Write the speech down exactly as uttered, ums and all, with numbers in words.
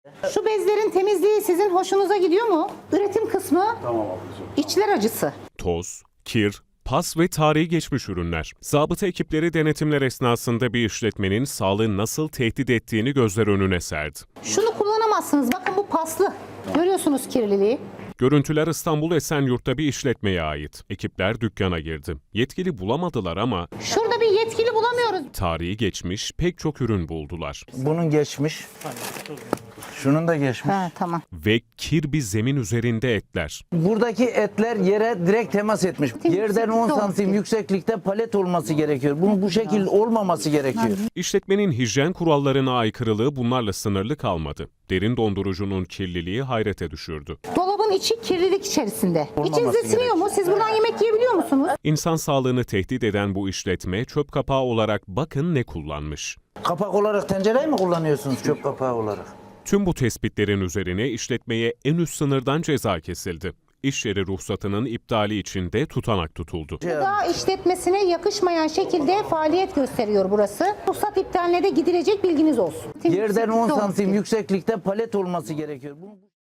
Şu bezlerin temizliği sizin hoşunuza gidiyor mu? Üretim kısmı Tamam ablacığım. içler acısı. Toz, kir, pas ve tarihi geçmiş ürünler. Zabıta ekipleri denetimler esnasında bir işletmenin sağlığı nasıl tehdit ettiğini gözler önüne serdi. Şunu kullanamazsınız. Bakın bu paslı. Görüyorsunuz kirliliği. Görüntüler İstanbul Esenyurt'ta bir işletmeye ait. Ekipler dükkana girdi. Yetkili bulamadılar ama Şurada bir yetkili bulamıyoruz. tarihi geçmiş pek çok ürün buldular. Bunun geçmiş. Şunun da geçmiş. Ha, tamam. Ve kir bir zemin üzerinde etler. Buradaki etler yere direkt temas etmiş. Yerden on Doğru. santim yükseklikte palet olması gerekiyor. Bunun bu şekilde olmaması gerekiyor. İşletmenin hijyen kurallarına aykırılığı bunlarla sınırlı kalmadı. Derin dondurucunun kirliliği hayrete düşürdü. Dolabın içi kirlilik içerisinde. Olmaması İçinize siniyor mu? Siz buradan yemek yiyebiliyor musunuz? İnsan sağlığını tehdit eden bu işletme çöp kapağı olarak bakın ne kullanmış. Kapak olarak tencereyi mi kullanıyorsunuz çöp kapağı olarak? Tüm bu tespitlerin üzerine işletmeye en üst sınırdan ceza kesildi. İş yeri ruhsatının iptali için de tutanak tutuldu. Gıda işletmesine yakışmayan şekilde faaliyet gösteriyor burası. Ruhsat iptaline de gidilecek, bilginiz olsun. Yerden on santim yükseklikte palet olması gerekiyor. Bunu